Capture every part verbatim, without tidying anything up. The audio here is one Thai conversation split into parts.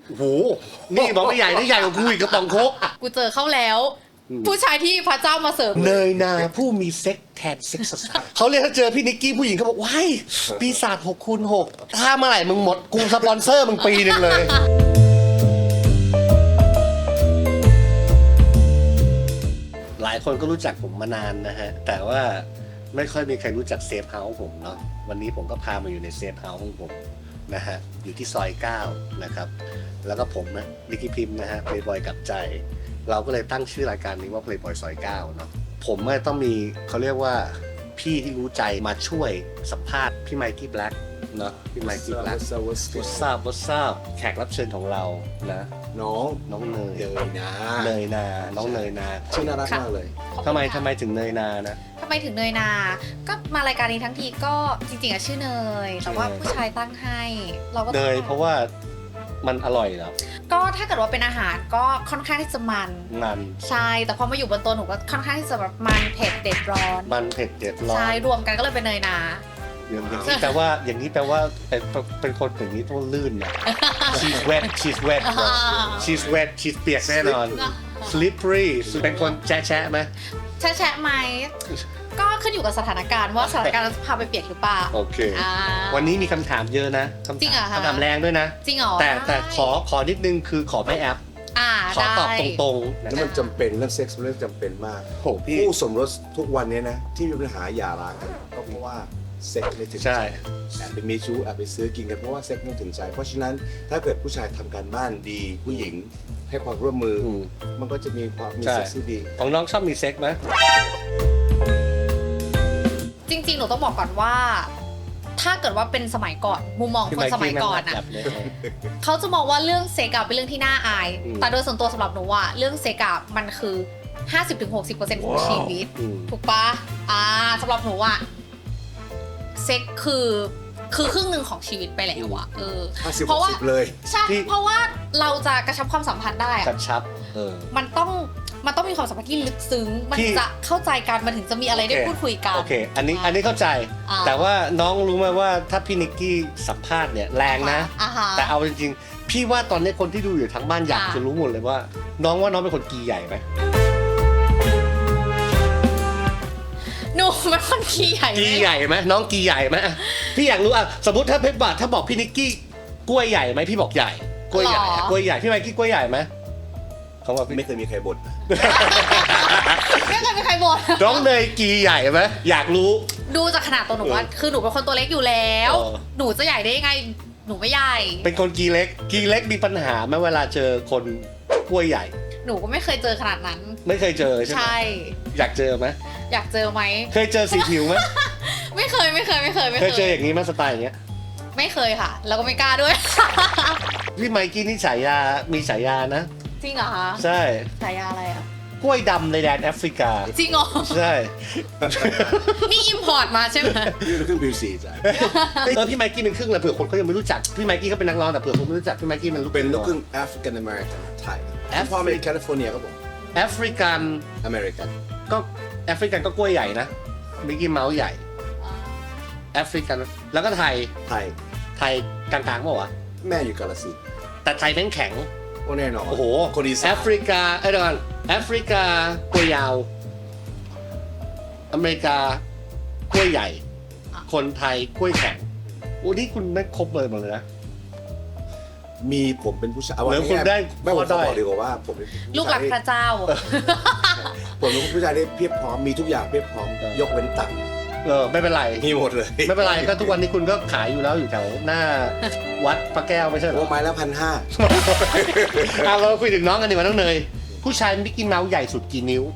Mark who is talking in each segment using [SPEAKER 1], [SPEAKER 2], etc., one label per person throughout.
[SPEAKER 1] โอ้โหนี่บอกไม่ใหญ่นี่ใหญ่กว่ากูอีกกระป๋องโค้ก
[SPEAKER 2] กูเจอเข้าแล้ว ผู้ชายที่พระเจ้ามาเสิร์ฟ
[SPEAKER 1] เนยนาผู้มีเซ็กแทนเซ็กซ์เขาเรียกถ้าเจอพี่นิกกี้ผู้หญิงเขาบอกว้ายปีศาจหกคูณหกถ้าเมื่อไหร่มึงหมดกูสปอนเซอร์มึงปีหนึ่งเลย หลายคนก็รู้จักผมมานานนะฮะแต่ว่าไม่ค่อยมีใครรู้จักเซฟเฮาส์ผมเนาะวันนี้ผมก็พามาอยู่ในเซฟเฮาส์ของผมนะฮะอยู่ที่ซอยเก้านะครับแล้วก็ผมนะนิกกี้พิมพ์นะฮะเพลย์บอยกับใจเราก็เลยตั้งชื่อรายการนี้ว่า Playboy ซอยเก้าเนาะผมก็ต้องมีเขาเรียกว่าพี่ที่รู้ใจมาช่วยสัมภาษณ์พี่ไมค์กี้แบล็กเนาะพี่ไมค์กี้แบล็ก What's up What's up แขกรับเชิญของเรานะ
[SPEAKER 3] น้อง
[SPEAKER 1] น้องเนย
[SPEAKER 3] เนยนา
[SPEAKER 1] เนยนาน้องเนยนา
[SPEAKER 3] ชื่อน่ารักมากเลย
[SPEAKER 1] ทำไมทำไมถึงเนยนานะ
[SPEAKER 2] ทำไมถึงเนยนา ก็มารายการนี้ทั้งทีก็จริงๆอะชื่อเนย แต่ว่าผู้ชายตั้งให้ เราก็
[SPEAKER 1] เนยเพราะว่ามันอร่อยเหรอ
[SPEAKER 2] ก็ถ้าเกิดว่าเป็นอาหารก็ค่อนข้างที่จะมัน
[SPEAKER 1] มัน
[SPEAKER 2] ใช่ แต่พอมาอยู่บนตัวหนูก็ค่อนข้างที่จะแบบมันเผ็ดเด็ดร้อน
[SPEAKER 1] มันเผ็ดเด็ดร้อน
[SPEAKER 2] ใช่ รวมกันก็เลยเป็นเนยนา
[SPEAKER 1] อย่างนี้แปลว่าอย่างนี้แปลว่าเป็นเป็นคนอย่างนี้ต้องลื่นนะ she's wet she's wet she's wet she's เปียกแน่นอน slippery เป็นคนแฉะไหม
[SPEAKER 2] แชะแชะไหม ก็ขึ้นอยู่กับสถานการณ์ว่าสถานการณ์จะพาไปเปียกหรือเปล่า
[SPEAKER 1] โอเค
[SPEAKER 2] อ่า
[SPEAKER 1] วันนี้มีคำถามเยอะนะคำ
[SPEAKER 2] จริงเหรอ
[SPEAKER 1] ถาม
[SPEAKER 2] คะ
[SPEAKER 1] คำถามแรงด้วยนะ
[SPEAKER 2] จริงเหรอ
[SPEAKER 1] แต่แต่
[SPEAKER 2] ได้
[SPEAKER 1] ขอขอนิดนึงคือขอไม่แอป
[SPEAKER 2] อ่า
[SPEAKER 1] ขอ
[SPEAKER 2] ได้
[SPEAKER 1] ตอบตรงๆนะ
[SPEAKER 3] แล้วมันจำเป็นเรื่องเซ็กส์เป็นเรื่องจำเป็นมาก
[SPEAKER 1] โหพี่
[SPEAKER 3] คู่สมรสทุกวันนี้นะที่มีปัญหาหย่าร้างกันก็เพราะว่าเซ็กส์ไม่ถึงใจ
[SPEAKER 1] ใช่
[SPEAKER 3] แอบไปมีชู้แอบไปซื้อกินกันเพราะว่าเซ็กส์ไม่ถึงใจ เพราะฉะนั้นถ้าเกิดผู้ชายทำการบ้านดีผู้หญิงให้ความร่วมมืออ
[SPEAKER 1] ม
[SPEAKER 3] มันก็จะมีความมี
[SPEAKER 1] ใช่
[SPEAKER 3] เซ็กส์ที่ดี
[SPEAKER 1] ของน้องชอบมีเซ็กไหม
[SPEAKER 2] จริงๆ หนูต้องบอกก่อนว่า ถ้าเกิดว่าเป็นสมัยก่อน มุมมองคนสมัยก่อนอะ
[SPEAKER 1] แบบเลย
[SPEAKER 2] เขาจะมองว่าเรื่องเซ็กอะเป็นเรื่องที่น่าอาย
[SPEAKER 1] อืม
[SPEAKER 2] แต่โดยส่วนตัวสำหรับหนูอะเรื่องเซ็กอะมันคือ ห้าสิบถึงหกสิบเปอร์เซ็นต์ ของชีวิต
[SPEAKER 1] อืม
[SPEAKER 2] ถูกปะอ่าสำหรับหนูอะเซ็กคือคือครึ่งหนึ่งของชีวิตไปแล้วอะเออ
[SPEAKER 3] ห้าสิบ
[SPEAKER 2] เพราะว่า
[SPEAKER 3] หกสิบเลย
[SPEAKER 2] ใช่
[SPEAKER 1] ที่
[SPEAKER 2] เพราะว่าเราจะกระชับความสัมพันธ์ได้
[SPEAKER 1] ก
[SPEAKER 2] อะ
[SPEAKER 1] ระชับเออ
[SPEAKER 2] มันต้องมันต้องมีความสัมพันธ์ที่ลึกซึ้ง มัน
[SPEAKER 1] ที่
[SPEAKER 2] จะเข้าใจกันมันถึงจะมีอะไรได้
[SPEAKER 1] โอเค
[SPEAKER 2] พูดคุยกัน
[SPEAKER 1] โอเค อันนี้อันนี้เข้าใจ
[SPEAKER 2] อ่า
[SPEAKER 1] แต่ว่าน้องรู้ไหมว่าถ้าพี่นิกกี้สัมภาษณ์เนี่ยแรงนะ
[SPEAKER 2] อ่าฮะ
[SPEAKER 1] แต่เอาจริงๆ พี่ว่าตอนนี้คนที่ดูอยู่ทั้งบ้านอยาก
[SPEAKER 2] อ่า
[SPEAKER 1] จะรู้หมดเลยว่า น้องว่าน้องเป็นคนกีใหญ่ไหม
[SPEAKER 2] หนูเป็นคนขี้ใหญ่ไหม
[SPEAKER 1] กีใหญ่ไหมน้องกีใหญ่ไหมอ่ะพี่อยากรู้อ่ะสมมติถ้าเพชรบาทถ้าบอกพี่นิกกี้กล้วยใหญ่ไหมพี่บอกใหญ่กล้วยใหญ่อ่ะกล้วยใหญ่พี่ไมค์กี้กล้วยใหญ่ไหมเขาบอกพี่
[SPEAKER 3] ไม่เคยมีใครบ่นนะ
[SPEAKER 2] ไม่เคยมีใครบ่น
[SPEAKER 1] น้องเนยกีใหญ่ไหมอยากรู้
[SPEAKER 2] ดูจากขนาดตัวหนูว่า คือหนูเป็นคนตัวเล็กอยู่แล้ว
[SPEAKER 1] เออ
[SPEAKER 2] หนูจะใหญ่ได้ยังไง หนูไม่ใหญ่
[SPEAKER 1] เป็นคนกีเล็กกีเล็กมีปัญหาไหมเวลาเจอคนกล้วยใหญ่
[SPEAKER 2] หนูก็ไม่เคยเจอขนาดนั้น
[SPEAKER 1] ไม่เคยเจอใช่ไหม
[SPEAKER 2] ใช่
[SPEAKER 1] อยากเจอไหม
[SPEAKER 2] อยากเจอไหม
[SPEAKER 1] เคยเจอสีผิวไหม
[SPEAKER 2] ไม่เคยไม่เคยไม่เคยไม่
[SPEAKER 1] เค
[SPEAKER 2] เค
[SPEAKER 1] ย
[SPEAKER 2] ย
[SPEAKER 1] เจออย่างนี้ไหมสไตล์อย่างเงี้ย
[SPEAKER 2] ไม่เคยค่ะ แล้วก็ไม่กล้าด้วย
[SPEAKER 1] พี่ไมค์กี้นี่ฉายามีฉายานะ
[SPEAKER 2] จริงเหรอคะ
[SPEAKER 1] ใช่
[SPEAKER 2] ฉายาอะไรอ่ะ
[SPEAKER 1] กล้วยดำในแดนแอฟริกา
[SPEAKER 2] จริงเหรอ
[SPEAKER 1] ใช่
[SPEAKER 2] นี่อิมพอร์ตมาใช่ไหม
[SPEAKER 3] นี่เราขึ้นบิวซีจ้ะ
[SPEAKER 1] เออพี่ไมค์กี้เป็นครึ่งนะเผื่อคนเขายังไม่รู้จักพี่ไมค์กี้เขาเป็นนักร้องแต่เผื่อคนไม่รู้จักพี่ไมค์กี้มันลูก
[SPEAKER 3] เป็นลูกครึ่
[SPEAKER 1] ง
[SPEAKER 3] งแอฟริกันอเมริกันไทย
[SPEAKER 1] แอฟริ
[SPEAKER 3] พ่อมาจากแคลิฟอร์เนียครับผม
[SPEAKER 1] แอฟริกัน
[SPEAKER 3] อเมริกัน
[SPEAKER 1] ก็แอฟริกันก็กล้วยใหญ่นะมิกกี้เมาส์ใหญ่แอฟริกันแล้วก็ไทย
[SPEAKER 3] ไทย
[SPEAKER 1] ไทยกลางๆเปล่าวะ
[SPEAKER 3] แม่อยู่กาฬสินธุ์
[SPEAKER 1] แต่ไทยแม่งแข็ง
[SPEAKER 3] โอ้แน่นอน
[SPEAKER 1] โอ้โห
[SPEAKER 3] คนอีสา
[SPEAKER 1] แอน ฟริกาเอ้ยเดี๋ยวก่อนแอฟริกากล้วยยาวอเมริกากล้วยใหญ่ คนไทยกล้วยแข็งโอ้นี่คุณไม่ครบเลยหมดเลยนะ
[SPEAKER 3] มีผมเป็นผู้ชาย
[SPEAKER 1] เหมือนคุณได้
[SPEAKER 3] ไม่ผม
[SPEAKER 1] ข้อด้
[SPEAKER 3] จะ
[SPEAKER 1] อย
[SPEAKER 3] บอกดีกว่าว่าผมเป็นผู้
[SPEAKER 2] ลูกหลั
[SPEAKER 3] ชาก ย
[SPEAKER 2] พระเจ้า
[SPEAKER 3] ผมเป็นผู้ชายที่เพียบพร้อมมีทุกอย่างเพียบพร้อมยกเว้นตังค์
[SPEAKER 1] เออไม่เป็นไร
[SPEAKER 3] มีหมดเลย
[SPEAKER 1] ไม่เป็นไรก็ทุกวันนี้คุณก็ขายอยู่แล้วอยู่แถวหน้าวัดพระแก้วไม่ใช่เหร
[SPEAKER 3] โอ้
[SPEAKER 1] อ
[SPEAKER 3] ไม้ละพันห้า
[SPEAKER 1] เอาเราคุยถึงน้องกันดีกว่าน้องเนยผู้ชายมิกกี้เมาส์ใหญ่สุดกี่นิ้ว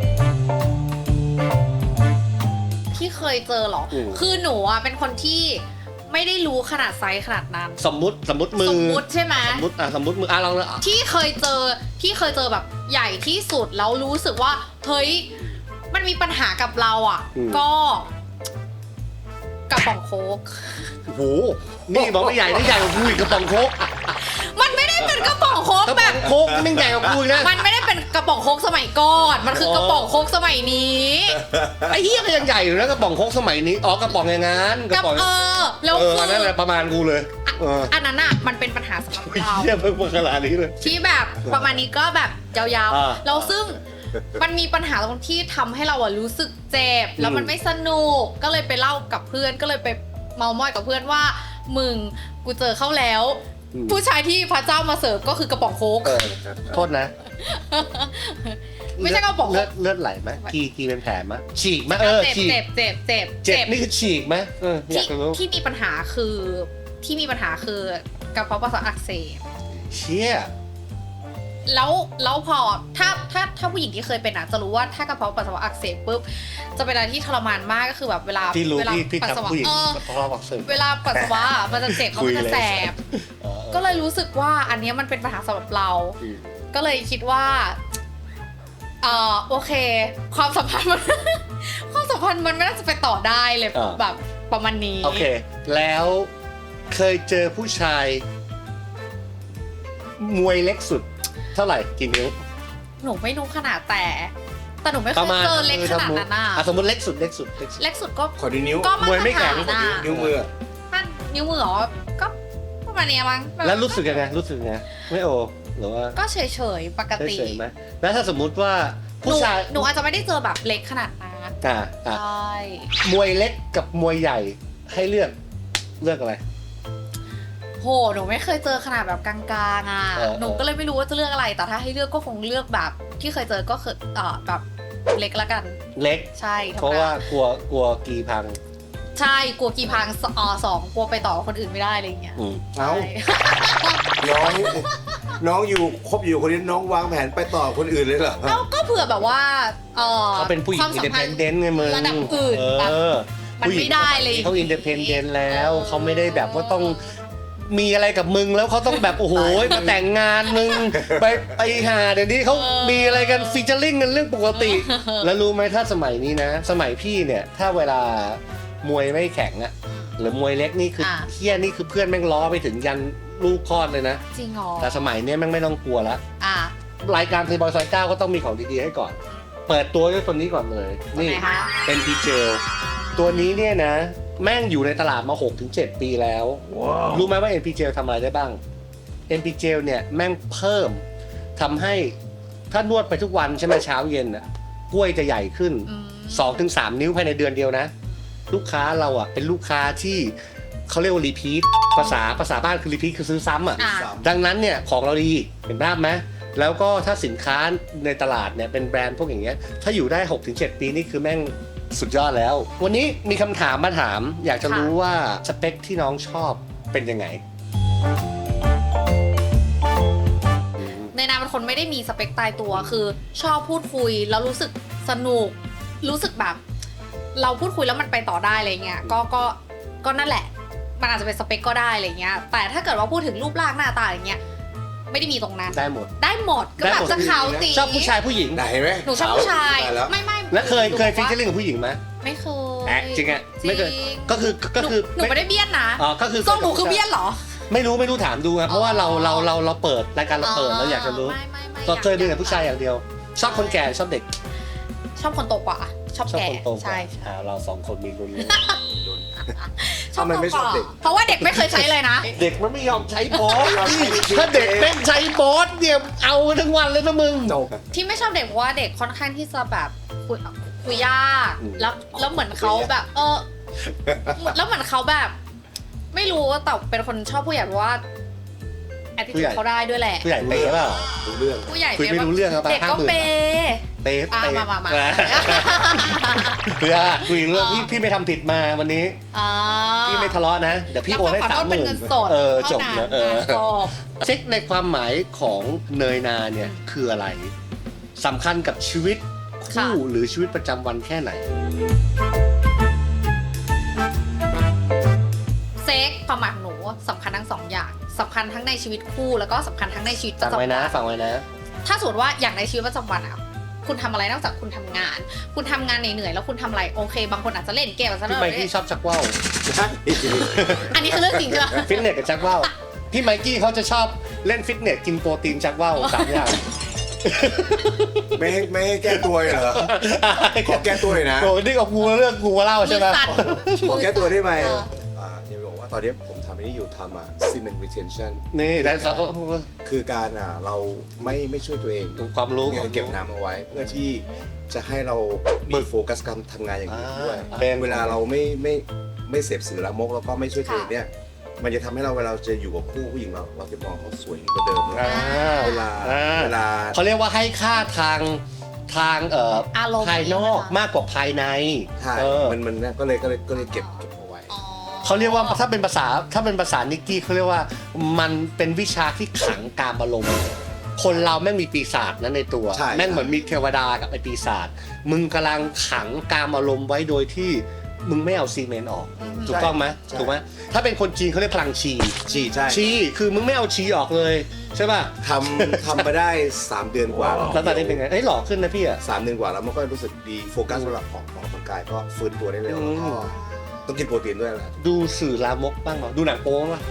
[SPEAKER 2] พี่เคยเจอเหรอ
[SPEAKER 1] อืม
[SPEAKER 2] คือหนูอ่ะเป็นคนที่ไม่ได้รู้ขนาดไซส์ขนาดนั้น
[SPEAKER 1] สมมุติสมมุติมือ
[SPEAKER 2] สมมุติใช่ไหม
[SPEAKER 1] สมมุติอ่ะสมมุติมืออ่ะลองเลยอ่ะ
[SPEAKER 2] ที่เคยเจอที่เคยเจอแบบใหญ่ที่สุดแล้วรู้สึกว่าเฮ้ยมันมีปัญหากับเราอ่ะ ก็กระป๋องโค้ก
[SPEAKER 1] โอ้โหนี่บอกไม่ใหญ่นี่ใหญ่กว่ากูอีกกระป๋องโค้ก
[SPEAKER 2] มันไม่ได้เป็นกระป๋องโค้ก
[SPEAKER 1] กระ
[SPEAKER 2] แบ
[SPEAKER 1] ป๋อบ งโค้กนี่แม่งใหญ่กว่ากูอีกนะ
[SPEAKER 2] มันไม่ได้เป็นกระป๋องโค้กสมัยก่อน มันคือ
[SPEAKER 1] อ๋อ
[SPEAKER 2] กระป๋องโค้กสมัยนี้
[SPEAKER 1] ไอ้เหี้ยก็ยังใหญ่อยู่นะกระป๋องโค้กสมัยนี้อ๋อกระป๋องอย่างงั้นก
[SPEAKER 2] กั
[SPEAKER 1] ระ
[SPEAKER 2] บ
[SPEAKER 1] ป๋อง
[SPEAKER 2] เออแล้ว
[SPEAKER 1] เออ
[SPEAKER 2] คือ
[SPEAKER 1] นั่นแหละประมาณกูเลย
[SPEAKER 2] อ่ะ
[SPEAKER 1] เออ
[SPEAKER 2] อันนั้นอ่ะมันเป็นปัญหาสำหรับเรา
[SPEAKER 1] เยี่ยมเพิ่งขนาดนี้เลย
[SPEAKER 2] ที่แบบประมาณนี้ก็แบบยาว
[SPEAKER 1] อ่า
[SPEAKER 2] ๆแล้วซึ่งมันมีปัญหาตรงที่ทำให้เราอะรู้สึกเจ็บแล้วมัน
[SPEAKER 1] อืม
[SPEAKER 2] ไม่สนุกก็เลยไปเล่ากับเพื่อนก็เลยไปเมามอยกับเพื่อนว่ามึงกูเจอเข้าแล้ว
[SPEAKER 1] อืม
[SPEAKER 2] ผู้ชายที่พระเจ้ามาเสิร์ฟก็คือกระป๋องโค้ก
[SPEAKER 1] เออโทษนะ
[SPEAKER 2] ไม่ใช่กระป๋อง
[SPEAKER 1] เลื
[SPEAKER 2] โค้
[SPEAKER 1] อด
[SPEAKER 2] ก
[SPEAKER 1] เลือดไหลไหมกีกีเป็นแผลไหมฉีกไหมเออ
[SPEAKER 2] เจ็บ
[SPEAKER 1] ฉีก
[SPEAKER 2] เจ็บเจ็บเจ็บ
[SPEAKER 1] เจ็บนี่คือฉีกไหมเอออยา
[SPEAKER 2] ที่
[SPEAKER 1] กรู้
[SPEAKER 2] ที่มีปัญหาคือที่มีปัญหาคือกระเพาะปัสสาวะอักเสบ
[SPEAKER 1] เชี่ย
[SPEAKER 2] แล้วแล้วพอถ้าถ้าถ้าผู้หญิงที่เคยเป็นอ่ะจะรู้ว่าถ้ากระเพาะปัสสาวะอักเสบปุ๊บจะเป็นอะไรที่ทรมานมากก็คือแบบเวลา
[SPEAKER 1] ที่รู้
[SPEAKER 2] เวลา
[SPEAKER 1] ที่ที่
[SPEAKER 2] ปัสสาวะ
[SPEAKER 1] ทำผู้หญิง
[SPEAKER 2] เออ
[SPEAKER 1] เพราะเราบอกเสริม
[SPEAKER 2] เวลาปัสสาวะมันจะเจ็บเพราะมันจะแสบ
[SPEAKER 1] เออ
[SPEAKER 2] ก็เลยรู้สึกว่าอันเนี้ยมันเป็นปัญหาสำหรับเรา
[SPEAKER 1] อืม
[SPEAKER 2] ก็เลยคิดว่าเออโอเค ความสัมพันธ์มัน ความสัมพันธ์มันไม่น่าจะไปต่อได้เลยแบบประมาณนี้
[SPEAKER 1] โอเค แล้วเคยเจอผู้ชาย มวยเล็กสุด เท่าไหร่กี่นิ้ว
[SPEAKER 2] หนูไม่รู้ขนาดแต่ แต่หนูไม่เค
[SPEAKER 1] ประ
[SPEAKER 2] ย
[SPEAKER 1] มาณ
[SPEAKER 2] เจอเล็กขนาดนั้นอ่ะ
[SPEAKER 1] อ่ะสมมติเล็กสุดเล็กสุดเล็กสุด
[SPEAKER 2] เล็กสุดก็
[SPEAKER 3] ขอดูนิ้ว
[SPEAKER 2] ก็มาม
[SPEAKER 1] วยไม่
[SPEAKER 2] ตร
[SPEAKER 1] แข็
[SPEAKER 2] ฐาง นอ่ะ
[SPEAKER 3] นิ้วมือ
[SPEAKER 2] ถ้านิ้วมือเหรอก็ประมาณเนี้ยมั้ง
[SPEAKER 1] แล้วรู้สึกยังไงรู้สึกยังไงไม่โอหรือว่า
[SPEAKER 2] ก็เฉยๆปกติ
[SPEAKER 1] เฉยๆไหมแล้วถ้าสมมุติว่า
[SPEAKER 2] ห
[SPEAKER 1] ผู้
[SPEAKER 2] นู
[SPEAKER 1] ชาย
[SPEAKER 2] หนูอาจจะไม่ได้เจอแบบเล็กขนาดนั้น
[SPEAKER 1] อ่าอ่า
[SPEAKER 2] ใช่
[SPEAKER 1] มวยเล็กกับมวยใหญ่ให้เลือกเลือกอะไร
[SPEAKER 2] โหหนูไม่เคยเจอขนาดแบบกลางๆอ่ะ
[SPEAKER 1] เออ
[SPEAKER 2] หนูก็เลยไม่รู้ว่าจะเลือกอะไร แต่ถ้าให้เลือกก็คงเลือกแบบที่เคยเจอก็คือเอ่อแบบเล็กละกัน
[SPEAKER 1] เล็ก
[SPEAKER 2] ใช่ธรรมด
[SPEAKER 1] เพราะว่ากลัวกลัวกีพัง
[SPEAKER 2] ใช่กลัวกี่พังสออสองกลัวไปต่อกับคนอื่นไม่ได้อะไรอย่างเงี้ย
[SPEAKER 1] อืม
[SPEAKER 3] เอ้า
[SPEAKER 2] ใช่
[SPEAKER 3] น้อง น้องอยู่คบอยู่คนนี้น้องวางแผนไปต่อคนอื่นเลยเหรอ
[SPEAKER 2] เอ้าก็เผื่อแบบว่าเออ
[SPEAKER 1] เขาเป็นผู้หญิ
[SPEAKER 2] ค
[SPEAKER 1] ง
[SPEAKER 2] วาม
[SPEAKER 1] อิน
[SPEAKER 2] สั
[SPEAKER 1] เด
[SPEAKER 2] ม
[SPEAKER 1] เพ
[SPEAKER 2] พัน
[SPEAKER 1] น
[SPEAKER 2] ธ์
[SPEAKER 1] เดนต์ไงมึง
[SPEAKER 2] ระดับอื่น
[SPEAKER 1] เอ
[SPEAKER 2] แบบ
[SPEAKER 1] อ
[SPEAKER 2] มันไม่ได้เลย
[SPEAKER 1] เขาอินเดเพนเดนต์แล้ว
[SPEAKER 2] เออ
[SPEAKER 1] เขาไม่ได้แบบว่าต้องมีอะไรกับมึงแล้วเขาต้องแบบ โอ้โหมาแต่งงานมึง ไปไปหาเดี๋ยวนี้เขามีอะไรกันฟีเจอริ่งกันเรื่องปกติ แล้วรู้ไหมถ้าสมัยนี้นะ สมัยพี่เนี่ย ถ้าเวลามวยไม่แข็งอะหรือมวยเล็กนี่คืออา เฮี้ยนี่คือเพื่อนแม่งล้อไปถึงยันลูกคลอดเลยนะ
[SPEAKER 2] จริงเหรอ
[SPEAKER 1] แต่สมัยเนี้ยแม่งไม่ต้องกลัวละ
[SPEAKER 2] อ่ะ
[SPEAKER 1] รายการเพย์บอยซอยเก้าก็ต้องมีของดีๆให้ก่อน เปิดตัวด้วยตัวนี้ก่อนเลย
[SPEAKER 2] นี่
[SPEAKER 1] นี่
[SPEAKER 2] ไหนคะ
[SPEAKER 1] เอ็น พี เจล ตัวนี้เนี่ยนะ แม่งอยู่ในตลาดมา หกถึงเจ็ด ปีแล้ว รู้ไหมว่า เอ็น พี เจล ทำอะไรได้บ้าง เอ็น พี เจล เนี่ยแม่งเพิ่มทำให้ถ้านวดไปทุกวันใช่ไหมเช้าเย็นอ่ะกล้วยจะใหญ่ขึ้น
[SPEAKER 2] อืม
[SPEAKER 1] สองถึงสาม นิ้วภายในเดือนเดียวนะ ลูกค้าเราอ่ะเป็นลูกค้าที่เขาเรียกว่ารีพีทภาษาภาษาบ้านคือรีพีทคือซื้อซ้ำอ่ะ
[SPEAKER 2] อ่ะ
[SPEAKER 1] ดังนั้นเนี่ยของเราดีเห็นภาพไหมแล้วก็ถ้าสินค้าในตลาดเนี่ยเป็นแบรนด์พวกอย่างเงี้ยถ้าอยู่ได้ หกถึงเจ็ด ปีนี่คือแม่งสุดยอดแล้ว วันนี้มีคำถามมาถาม อยากจะรู้ว่าสเปคที่น้องชอบเป็นยังไง
[SPEAKER 2] ในนามเป็นคนไม่ได้มีสเปคตายตัวคือชอบพูดคุยแล้วรู้สึกสนุก รู้สึกแบบ เราพูดคุยแล้วมันไปต่อได้อะไรเงี้ยก็ก็ก็นั่นแหละ มันอาจจะเป็นสเปคก็ได้อะไรเงี้ยแต่ถ้าเกิดว่าพูดถึงรูปร่างหน้าตาอย่างเงี้ยไม่ได้มีตรงนั้น
[SPEAKER 1] ได้หมด
[SPEAKER 2] ได้หมดก็
[SPEAKER 1] ได้
[SPEAKER 2] แบ
[SPEAKER 1] หม
[SPEAKER 2] บ
[SPEAKER 1] ด
[SPEAKER 2] จะขาวตี
[SPEAKER 1] ชอบผู้ชายผู้หญิง
[SPEAKER 3] ไหนไหม
[SPEAKER 2] หนูชอบผู้ชาย
[SPEAKER 3] ตแล้ว
[SPEAKER 2] ไม่ไม่
[SPEAKER 1] แล้วเคย
[SPEAKER 2] หนู
[SPEAKER 1] เคย
[SPEAKER 2] บอก
[SPEAKER 1] ฟิช
[SPEAKER 2] ว่า
[SPEAKER 1] เชอร์ลิงกับผู้หญิงไหม
[SPEAKER 2] ไม่เคย
[SPEAKER 1] แอะจริงอะไม่เคย
[SPEAKER 2] จริง
[SPEAKER 1] ก็คือก็คือ
[SPEAKER 2] หนูหนูไม่ได้เบี้ยนนะ
[SPEAKER 1] อ๋อก็คือ
[SPEAKER 2] ส้มหนูคือเบี้ยนเหรอ
[SPEAKER 1] ไม่รู้ไม่รู้ถามดูครับเพราะว่าเราเราเราเราเปิดรายการเราเปิดเราอยากจะรู้
[SPEAKER 2] ไม่ไม่ไม่
[SPEAKER 1] เราเคยเป็นกับผู้ชายอย่างเดียว ชอบคนแก่ชอบเด็ก
[SPEAKER 2] ชอบคนโตกว่า ชอบ
[SPEAKER 1] ชอบ
[SPEAKER 2] แก่
[SPEAKER 1] คนโตกว่า
[SPEAKER 2] ใช่ใช่
[SPEAKER 1] อ่าเราสองคนมีรุ่น
[SPEAKER 2] ชอบ
[SPEAKER 3] ทำไมไม่
[SPEAKER 2] โต
[SPEAKER 3] ชอบ
[SPEAKER 2] กว่า
[SPEAKER 3] เด็ก
[SPEAKER 2] เพราะว่าเด็กไม่เคยใช้เลยนะ
[SPEAKER 1] เด็กมันไม่ยอมใช้บอส
[SPEAKER 3] ไม่ยอมใช้จริงๆ
[SPEAKER 1] ถ้าเด็กแม่งใช้บอสเนี่ยเอาทั้งวันเลยนะมึง
[SPEAKER 3] จบ
[SPEAKER 2] ที่ไม่ชอบเด็กเพราะว่าเด็กค่อนข้างที่จะแบบคุยคุยยาก
[SPEAKER 1] อืม
[SPEAKER 2] แล้วแล้วเหมือนเขาแบบ เออแล้วเหมือนเขาแบบ ไม่รู้ว่าแต่เป็นคนชอบผู้ใหญ่เพราะว่าแอดดิ
[SPEAKER 1] ผู้ใหญ่
[SPEAKER 2] เขาได้ด้วยแหละ
[SPEAKER 1] ผู้ใหญ่เป๊ะเปล่า
[SPEAKER 3] รู้เรื่อง
[SPEAKER 2] ผู้ใหญ่
[SPEAKER 1] คุยไม่รู้เรื่องครับ
[SPEAKER 2] เด็กก็
[SPEAKER 1] ห้าหมื่น
[SPEAKER 2] เปย์
[SPEAKER 1] เป๊ะ
[SPEAKER 2] อ่ะ
[SPEAKER 1] เป๊ะ
[SPEAKER 2] มามามา
[SPEAKER 1] เพื่อคุยเรื่องพี่พี่ไม่ทำผิดมาวันนี้
[SPEAKER 2] อ่า
[SPEAKER 1] พี่ไม่ทะเลาะนะ เดี๋ยวพี่โอนให้
[SPEAKER 2] แล้วข
[SPEAKER 1] สาม
[SPEAKER 2] โทษ
[SPEAKER 1] ห
[SPEAKER 2] เป็น
[SPEAKER 1] มื่น
[SPEAKER 2] เงินสด
[SPEAKER 1] เออจ
[SPEAKER 2] เท่า
[SPEAKER 1] บ
[SPEAKER 2] นั้น
[SPEAKER 1] นะเออ
[SPEAKER 2] อ่ะจบ
[SPEAKER 1] เช็คในความหมายของเนยนาเนี่ยคืออะไรสำคัญกับชีวิตคู่หรือชีวิตประจำวันแค่ไหน
[SPEAKER 2] เซ็กความหมายของหนูสำคัญทั้งสองอย่างสำคัญทั้งในชีวิตคู่แล้วก็สำคัญทั้งในชีวิตป
[SPEAKER 1] ฟั
[SPEAKER 2] ระ
[SPEAKER 1] ง
[SPEAKER 2] จำวั
[SPEAKER 1] ไว้
[SPEAKER 2] น
[SPEAKER 1] นะฟังไว้นะ
[SPEAKER 2] ถ้าสมมติว่าอย่างในชีวิตประจำวันอะคุณทำอะไรนอกจากคุณทำงาน คุณทำงานเหนื่อยๆแล้วคุณทำอะไรโอเค บางคนอาจจะเล่นเกมอาจจะ
[SPEAKER 1] พี่
[SPEAKER 2] เล่น
[SPEAKER 1] ไมค์กี้ชอบชักว่าว
[SPEAKER 2] อันนี้คือเรื่องจริงใช่ไหม
[SPEAKER 1] ฟิตเนสกับชักว่าวพี่ไมค์กี้เขาจะชอบเล่นฟิตเนสกินโปรตีนชักว่าวสามอย่าง
[SPEAKER 3] ไม่ให้ไม่ให้แก้ตัวเลยเหรอ ขอแก้ตัวเลยนะ
[SPEAKER 1] โอ้นี่กับกูเรื่องกูมาเล่าใช่ไหม
[SPEAKER 2] มือสั่น
[SPEAKER 3] ขอแก้ตัวได้ไหม
[SPEAKER 2] เออ
[SPEAKER 3] อ่าเดี๋ยวบอกว่าตอนนี้ผมทอันนี้อยู่ทำอ่ะ cement retention
[SPEAKER 1] นี่ได้สัก
[SPEAKER 3] คือการอ่ะเราไม่ไม่ช่วยตัวเอง
[SPEAKER 1] ความรู้
[SPEAKER 3] เนี่ยเก็บน้ำเอาไว้ เพื่อที่จะให้เรามีโฟกัสการทำงานอย่างอื่นด้วย
[SPEAKER 1] อ่าเป็น
[SPEAKER 3] เวลาเราไม่ไม่ไม่เสพสื่อละมกแล้วก็ไม่ช่วยตัวเองเนี่ยมันจะทำให้เราเวลาจะอยู่กับคู่ผู้หญิงเราเราจะมองเขาสวยกว่าเดิม
[SPEAKER 1] อ่า
[SPEAKER 3] เวลา
[SPEAKER 1] อ่า
[SPEAKER 3] เวลา
[SPEAKER 1] เขาเรียกว่าให้ค่าทางทางเอ่อ
[SPEAKER 2] อารมณ์
[SPEAKER 1] ภายนอกมากกว่าภายใน
[SPEAKER 3] ใช่
[SPEAKER 1] เออ
[SPEAKER 3] มันมันเนี่ยก็เลยก็เลยก็เลยเก็บเก็บเอาไว้
[SPEAKER 2] อ๋อ
[SPEAKER 1] เขาเรียกว่าถ้าเป็นภาษาถ้าเป็นภาษานิกกี้เขาเรียกว่ามันเป็นวิชาที่ขังกามอารมณ์คนเราแม่งมีปีศาจนั้นในตัว
[SPEAKER 3] ใช่
[SPEAKER 1] แม่งเหมือนมีเทวดากับไอปีศาจมึงกำลังขังกามอารมณ์ไว้โดยที่มึงไม่เอาซีเมนต์ออก
[SPEAKER 2] อืม
[SPEAKER 1] ถูกต้องไหม
[SPEAKER 3] ใช่
[SPEAKER 1] ถูกไหมถ้าเป็นคนจีนเขาเรียกพลังชี
[SPEAKER 3] ชีใช่
[SPEAKER 1] ชีคือมึงไม่เอาชีออกเลยใช่ป่ะ
[SPEAKER 3] ทำทำมาได้สามเดือนกว่า
[SPEAKER 1] แล้วตอนนี้เป็นไงเอ้ยหล่อขึ้นนะพี่อะ
[SPEAKER 3] สามเดือนกว่าแล้วมันก็รู้สึกดีโฟกัสสำหรับออกออกกำลังกายก็ฟื้นตัวได้เร็ว
[SPEAKER 1] อืม
[SPEAKER 3] แล้วก็ต้องกินโปรตีนด้วยแหละ
[SPEAKER 1] ดูสื่อลามกบ้างเหรอดูหนังโป๊บ้างปะ